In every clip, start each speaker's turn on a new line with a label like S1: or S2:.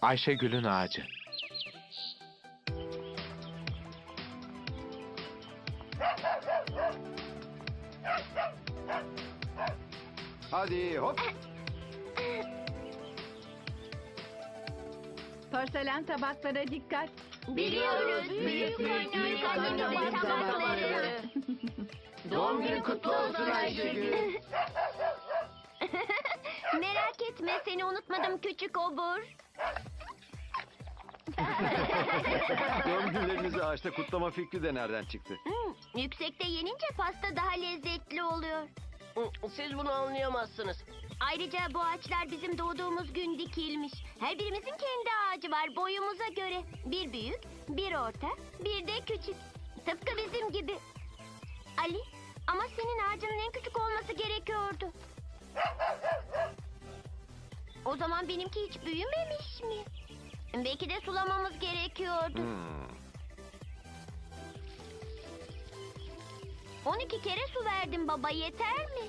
S1: Ayşegül'ün ağacı.
S2: Hadi hop.
S3: Porselen tabaklara dikkat.
S4: Biliyoruz. Büyük tabakları.
S2: Doğum günün kutlu olsun Ayşegül.
S4: Merak etme, seni unutmadım küçük obur.
S2: Doğum günlerinizi ağaçta kutlama fikri de nereden çıktı?
S4: Yüksekte yenince pasta daha lezzetli oluyor.
S5: Siz bunu anlayamazsınız.
S4: Ayrıca bu ağaçlar bizim doğduğumuz gün dikilmiş. Her birimizin kendi ağacı var boyumuza göre. Bir büyük, bir orta, bir de küçük. Tıpkı bizim gibi. Ali, ama senin ağacının en küçük olması gerekiyordu. O zaman benimki hiç büyümemiş mi? Belki de sulamamız gerekiyordu. 12 kere su verdim baba, yeter mi?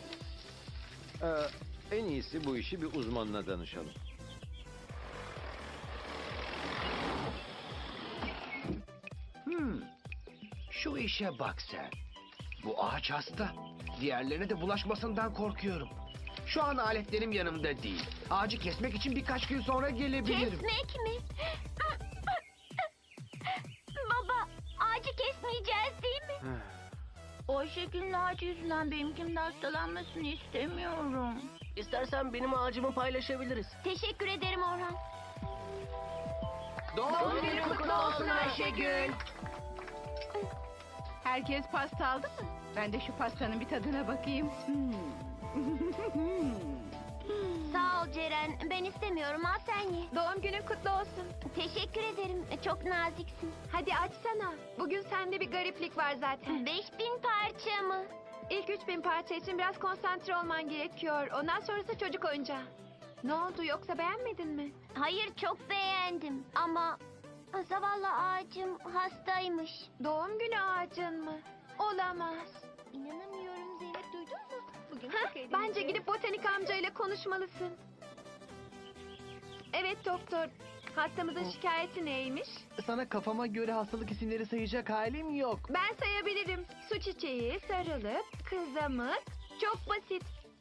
S2: En iyisi bu işi bir uzmanına danışalım.
S6: Şu işe bak sen. Bu ağaç hasta. Diğerlerine de bulaşmasından korkuyorum. Şu an aletlerim yanımda değil. Ağacı kesmek için birkaç gün sonra gelebilirim.
S4: Kesmek mi? Baba, ağacı kesmeyeceğiz değil mi?
S3: Ayşegül'ün ağacı yüzünden benimkinin hastalanmasını istemiyorum.
S5: İstersen benim ağacımı paylaşabiliriz.
S4: Teşekkür ederim Orhan.
S6: Doğum günün kutlu olsun Ayşegül.
S3: Herkes pasta aldı mı? Ben de şu pastanın bir tadına bakayım.
S4: Sağ ol Ceren, ben istemiyorum, al sen ye.
S7: Doğum günün kutlu olsun.
S4: Teşekkür ederim, çok naziksin.
S7: Hadi açsana. Bugün sende bir gariplik var zaten.
S4: 5000 parça mı?
S7: İlk 3000 parça için biraz konsantre olman gerekiyor. Ondan sonrası çocuk oyuncağı. Ne oldu, yoksa beğenmedin mi?
S4: Hayır, çok beğendim ama zavallı ağacım hastaymış.
S7: Doğum günü ağacın mı? Olamaz.
S4: İnanamıyorum Zeynep, duydun mu? Bugün
S7: Bence gidip botanik amcayla konuşmalısın. Evet doktor. Hastamızın şikayeti neymiş?
S6: Sana kafama göre hastalık isimleri sayacak halim yok.
S7: Ben sayabilirim. Su çiçeği, sarılıp, kızamık. Çok basit.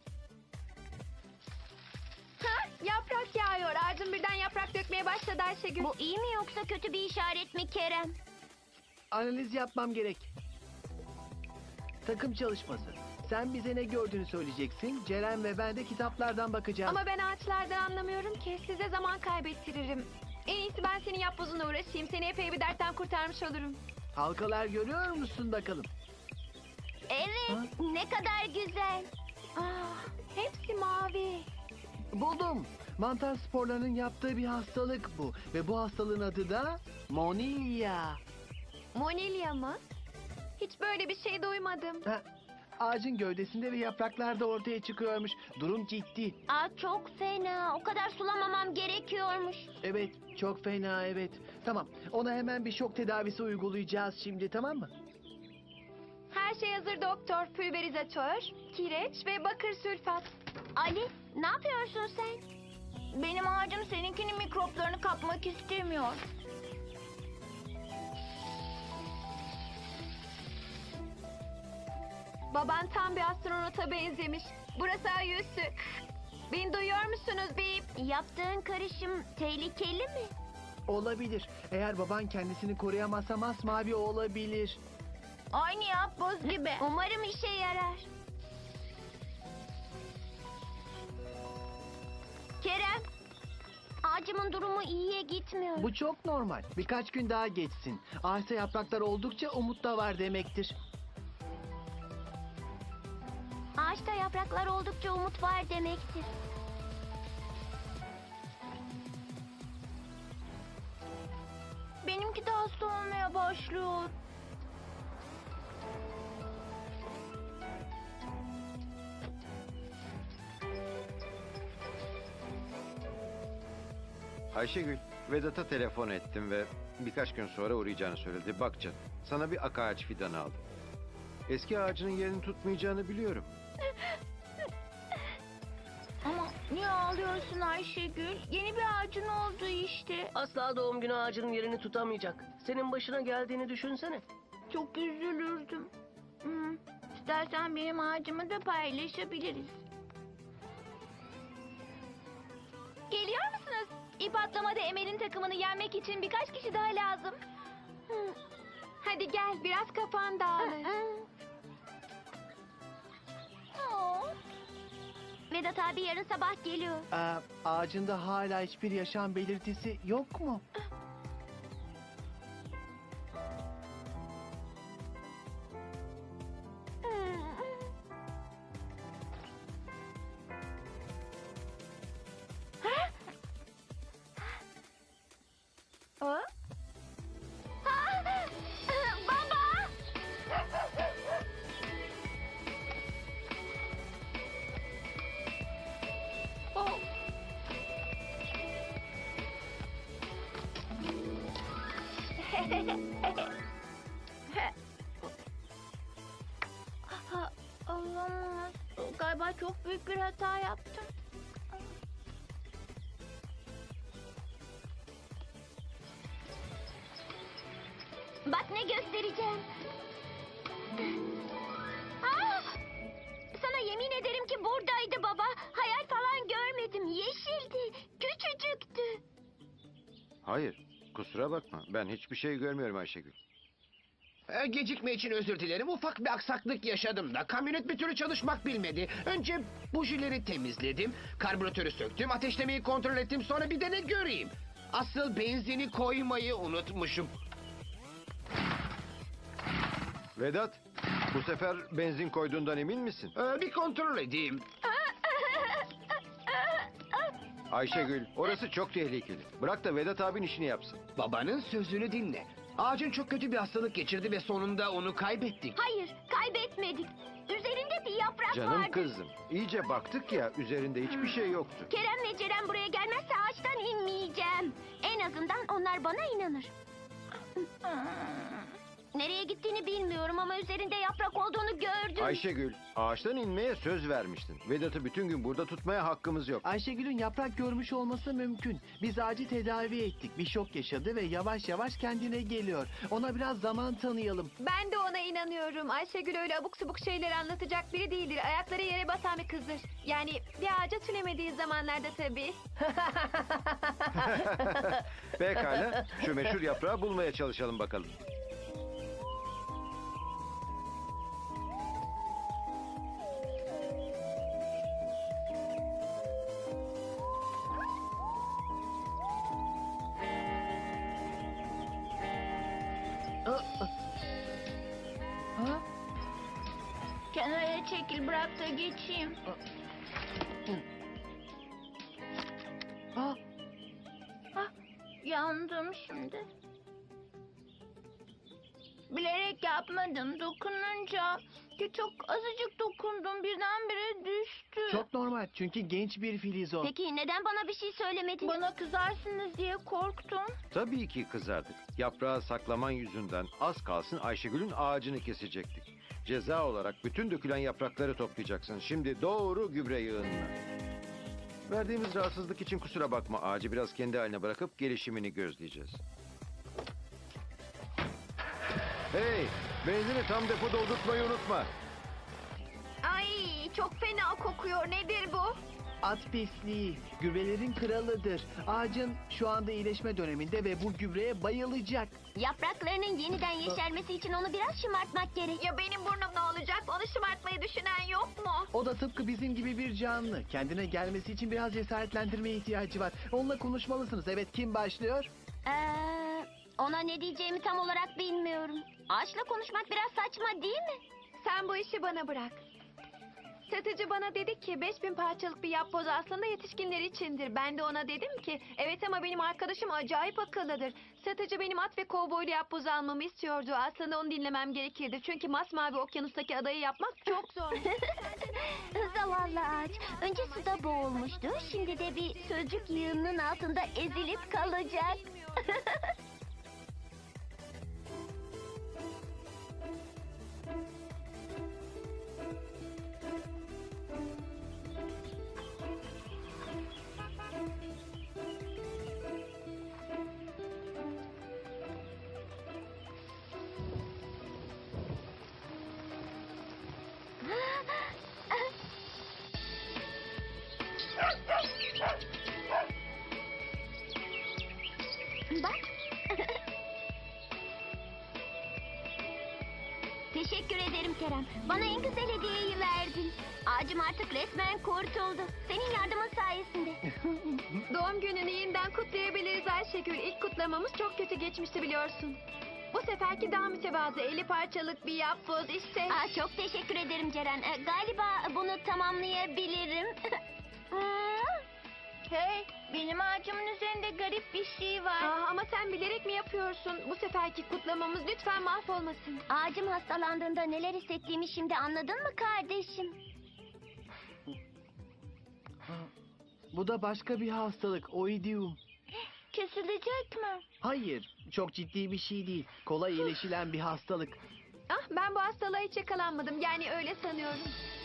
S7: Ha, yaprak yağıyor. Ağacın birden yaprak dökmeye başladı Ayşegül.
S4: Bu iyi mi yoksa kötü bir işaret mi Kerem?
S6: Analiz yapmam gerek. Takım çalışması. Sen bize ne gördüğünü söyleyeceksin. Ceren ve ben de kitaplardan bakacağız.
S7: Ama ben ağaçlardan anlamıyorum ki. Size zaman kaybettiririm. En iyisi ben senin yapbozuna uğraşayım. Seni epey bir dertten kurtarmış olurum.
S6: Halkalar görüyor musun bakalım?
S4: Evet, ne kadar güzel.
S7: Ah, hepsi mavi.
S6: Buldum. Mantar sporlarının yaptığı bir hastalık bu. Ve bu hastalığın adı da Monilya.
S7: Monilya mı? Hiç böyle bir şey duymadım.
S6: Ha, ağacın gövdesinde ve yapraklarda ortaya çıkıyormuş. Durum ciddi.
S4: Aa, çok fena. O kadar sulamamam gerekiyormuş.
S6: Evet, çok fena evet. Tamam, ona hemen bir şok tedavisi uygulayacağız şimdi, tamam mı?
S7: Her şey hazır doktor. Pülverizatör, kireç ve bakır sülfat.
S4: Ali, ne yapıyorsun sen?
S3: Benim ağacım seninkinin mikroplarını kapmak istemiyor.
S7: Baban tam bir astronota benzemiş. Burası ay üssü. Beni duyuyor musunuz beyim?
S4: Yaptığın karışım tehlikeli mi?
S6: Olabilir. Eğer baban kendisini koruyamazsa masmavi olabilir.
S3: Aynı yapboz gibi.
S4: Umarım işe yarar. Kerem, ağacımın durumu iyiye gitmiyor.
S6: Bu çok normal. Birkaç gün daha geçsin. Ağaçta yapraklar oldukça umut da var demektir.
S4: Ağaçta yapraklar oldukça umut var demektir.
S3: Benimki de hasta olmaya başlıyor.
S2: Ayşegül, Vedat'a telefon ettim ve birkaç gün sonra uğrayacağını söyledi. Bak canım, sana bir ak ağaç fidanı aldım. Eski ağacının yerini tutmayacağını biliyorum.
S3: Ama Niye ağlıyorsun Ayşegül? Yeni bir ağacın oldu işte.
S5: Asla doğum günü ağacının yerini tutamayacak. Senin başına geldiğini düşünsene.
S3: Çok üzülürdüm. İstersen benim ağacımı da paylaşabiliriz.
S7: Geliyor musunuz? İp atlamada Emel'in takımını yenmek için birkaç kişi daha lazım. Hadi gel biraz kafan dağılır.
S4: Vedat abi yarın sabah geliyor.
S1: Ağacında hala hiçbir yaşam belirtisi yok mu?
S4: Baba!
S3: Olamaz. Galiba çok büyük bir hata yaptım.
S4: Bak ne göstereceğim. Aa! Sana yemin ederim ki buradaydı baba. Hayal falan görmedim. Yeşildi. Küçücüktü.
S2: Hayır, kusura bakma. Ben hiçbir şey görmüyorum Ayşegül.
S6: Gecikme için özür dilerim. Ufak bir aksaklık yaşadım da. Kamyonet bir türlü çalışmak bilmedi. Önce bujileri temizledim. Karbüratörü söktüm. Ateşlemeyi kontrol ettim. Sonra bir de ne göreyim? Asıl benzini koymayı unutmuşum.
S2: Vedat, bu sefer benzin koyduğundan emin misin?
S6: Bir kontrol edeyim.
S2: Ayşegül, orası çok tehlikeli. Bırak da Vedat abin işini yapsın.
S6: Babanın sözünü dinle. Ağacın çok kötü bir hastalık geçirdi ve sonunda onu kaybettik.
S4: Hayır, kaybetmedik. Üzerinde bir yaprak
S2: Canım
S4: vardı.
S2: kızım, iyice baktık ya üzerinde hiçbir şey yoktu.
S4: Kerem ve Ceren buraya gelmezse ağaçtan inmeyeceğim. En azından onlar bana inanır. Nereye gittiğini bilmiyorum ama üzerinde yaprak olduğunu gördüm.
S2: Ayşegül, ağaçtan inmeye söz vermiştin. Vedat'ı bütün gün burada tutmaya hakkımız yok.
S1: Ayşegül'ün yaprak görmüş olması mümkün. Biz ağacı tedavi ettik. Bir şok yaşadı ve yavaş yavaş kendine geliyor. Ona biraz zaman tanıyalım.
S7: Ben de ona inanıyorum. Ayşegül öyle abuk subuk şeyler anlatacak biri değildir. Ayakları yere basan bir kızdır. Yani bir ağaca tünemediği zamanlarda tabii.
S2: Pekala, şu meşhur yaprağı bulmaya çalışalım bakalım.
S3: Kenara çekil, bırak da geçeyim.
S1: Ah,
S3: Yandım şimdi. Bilerek yapmadım. Dokununca çok azıcık dokundum. Birdenbire düştü.
S1: çok normal çünkü genç bir filiz o.
S4: Peki neden bana bir şey söylemedin?
S3: Bana kızarsınız diye korktum.
S2: Tabii ki kızardık. Yaprağı saklaman yüzünden az kalsın Ayşegül'ün ağacını kesecektik. Ceza olarak bütün dökülen yaprakları toplayacaksın. Şimdi doğru gübre yığınına. Verdiğimiz rahatsızlık için kusura bakma. Ağacı biraz kendi haline bırakıp gelişimini gözleyeceğiz. Hey! Benzini tam depo doldurtmayı unutma.
S7: Ay çok fena kokuyor. Nedir bu?
S1: At pisliği, gübrelerin kralıdır. Ağacın şu anda iyileşme döneminde ve bu gübreye bayılacak.
S4: Yapraklarının yeniden yeşermesi için onu biraz şımartmak gerek.
S7: Ya benim burnum ne olacak? Onu şımartmayı düşünen yok mu?
S1: O da tıpkı bizim gibi bir canlı. Kendine gelmesi için biraz cesaretlendirmeye ihtiyacı var. Onunla konuşmalısınız. Evet, kim başlıyor?
S4: Ona ne diyeceğimi tam olarak bilmiyorum. Ağaçla konuşmak biraz saçma değil mi?
S7: Sen bu işi bana bırak. Satıcı bana dedi ki 5000 parçalık bir yapboz aslında yetişkinler içindir. Ben de ona dedim ki evet ama benim arkadaşım acayip akıllıdır. Satıcı benim at ve kovboylu yapboz almamı istiyordu. Aslında onu dinlemem gerekirdi. Çünkü masmavi okyanustaki adayı yapmak çok zor.
S4: Zavallı ağaç. Önce suda boğulmuştu. Şimdi de bir sözcük yığınının altında ezilip kalacak. Kerem. Bana en güzel hediyeyi verdin. Ağacım artık resmen kurtuldu. Senin yardımın sayesinde.
S7: Doğum gününü yeniden kutlayabiliriz Ayşegül. İlk kutlamamız çok kötü geçmişti biliyorsun. Bu seferki daha mütevazı 50 parçalık bir yapboz işte.
S4: Çok teşekkür ederim Ceren. Galiba bunu tamamlayabilirim.
S3: Hey, benim ağacımın üzerinde garip bir şey var.
S7: Ama sen bilerek mi yapıyorsun? Bu seferki kutlamamız lütfen mahvolmasın.
S4: Ağacım hastalandığında neler hissettiğimi şimdi anladın mı kardeşim?
S1: Bu da başka bir hastalık. Oidium.
S3: Kesilecek mi?
S1: Hayır, çok ciddi bir şey değil. Kolay iyileşilen bir hastalık.
S7: Ben bu hastalığa hiç yakalanmadım. Yani öyle sanıyorum.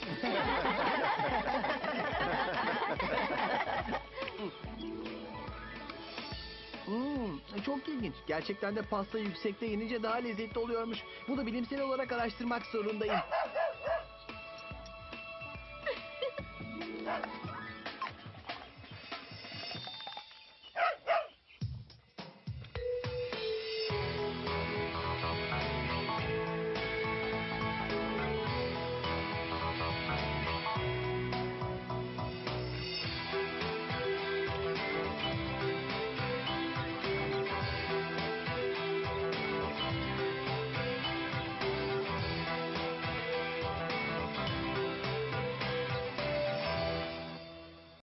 S1: Çok ilginç. Gerçekten de pasta yüksekte yenince daha lezzetli oluyormuş. Bunu bilimsel olarak araştırmak zorundayım.